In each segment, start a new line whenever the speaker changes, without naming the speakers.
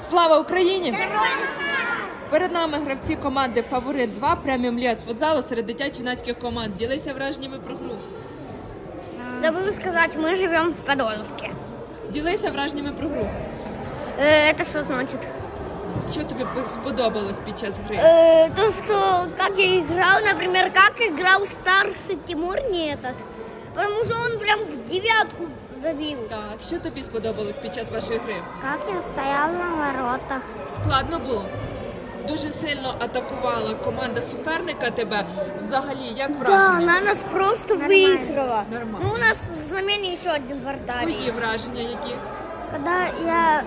Слава Україні! Перед нами гравці команди «Фаворит 2» преміум ліга з футзалу серед дитячо-юнацьких команд. Ділися враженнями про гру.
Забыл сказать, мы живем в Подольске.
Ділися враженнями про гру.
Это что значит?
Що тобі сподобалось під час гри?
То, что как я играл, например, как играл старший Тимур, не этот. Потому что он прям в девятку забил.
Так, що тобі сподобалось під час вашої гри?
Как я стоял на воротах.
Складно було? Дуже сильно атакувала команда суперника тебе. Взагалі, як
Да,
враження?
она нас просто выиграла.
Нормально.
Ну, у нас в знамении еще один вратарь.
Твої враження які?
Когда я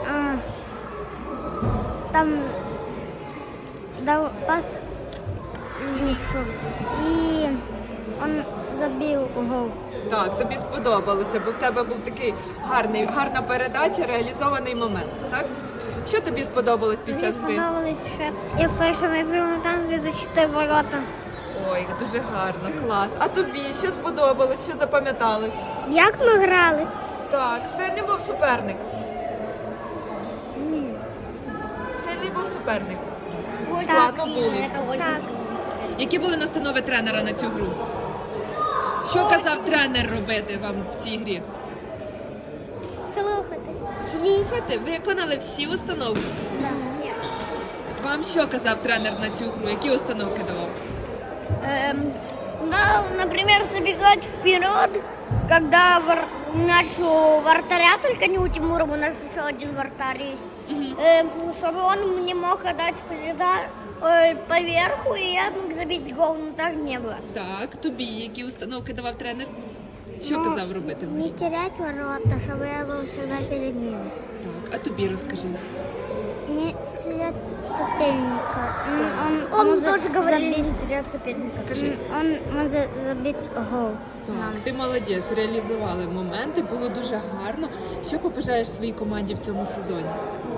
там дал пас Мишу, и он забил гол.
Так, тобі сподобалося, бо в тебе був такий гарна передача, реалізований момент, так? Що тобі сподобалось під час гри?
Сподобалось, що я в першому і другому таймі зачитав ворота.
Ой, дуже гарно, клас. А тобі що сподобалось, що запам'яталось?
Як ми грали?
Так, сильний був суперник. Сильний був суперник. Складно було.
Так.
Які були настанови тренера на цю гру? Що казав тренер робити вам в цій грі?
Слухати.
Слухати, виконали всі установки.
Ні.
Вам що казав тренер на цю гру? Які установки давав?
Да, например, забегать вперед, когда мяч у вратаря, только не у Тимура, у нас еще один вратарь есть, чтобы он мне мог отдать поверху, и я мог забить гол, но так не было.
Так, тобі які установки давав тренер? Що казав робити в
Не
грі?
терять ворота, чтобы я был всегда перед ними.
Так, а тобі розкажи.
Не терять соперника. Он тоже говорит, не терять соперника.
Кажи.
Он может забить гол.
Так, ти молодець, реалізували моменти, було дуже гарно. Що побажаєш своїй команді в цьому сезоні?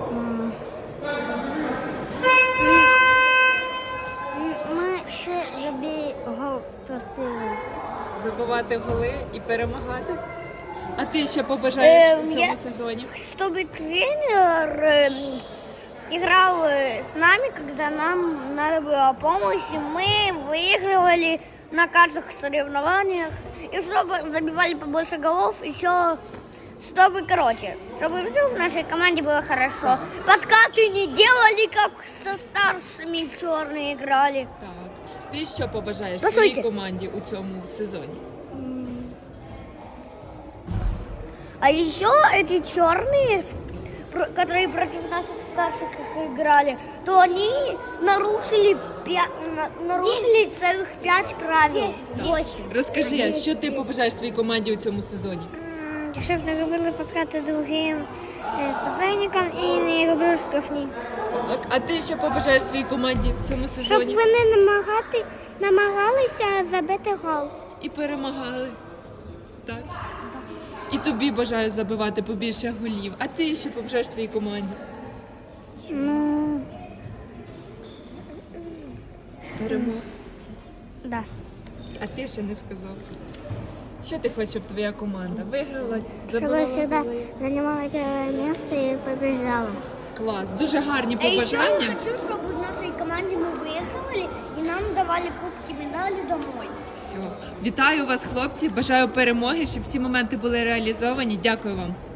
Ми ще забій гол просили.
Забивати голи і перемагати? А ти що побажаєш у цьому
я-
сезоні?
Чтобы тренер играл с нами, когда нам надо была помощь, и мы выигрывали на каждых соревнованиях, и чтобы забивали побольше голов, еще чтобы все в нашей команде было хорошо. Подкаты не делали, как со старшими черные играли.
Так. Ти що побажаєш
По
своїй
суті.
команді у цьому сезоні?
А еще эти черные, которые против наших старших играли, то они нарушили целых 5 правил.
Розкажи, що ти побажаєш своїй команді у цьому сезоні?
Щоб не робили подкати другим суперникам і не робили штрафні.
Так. А ти що побажаєш своїй команді в цьому сезоні?
вони намагалися забити гол.
І перемагали. Так? І тобі бажаю забивати побільше голів. А ти що побажаєш своїй команді?
Ну,
Перемог.
да.
А ти ще не сказав. Що ти хочеш, щоб твоя команда виграла,
Чтобы
забивала
всегда
голи?
занимала первое место и побеждала.
Клас, дуже гарні
А еще я
побажання.
хочу, чтобы в нашей команде мы выигрывали и нам давали кубки, медали домой.
Все. Вітаю вас, хлопці. Бажаю перемоги, щоб всі моменти були реалізовані. Дякую вам.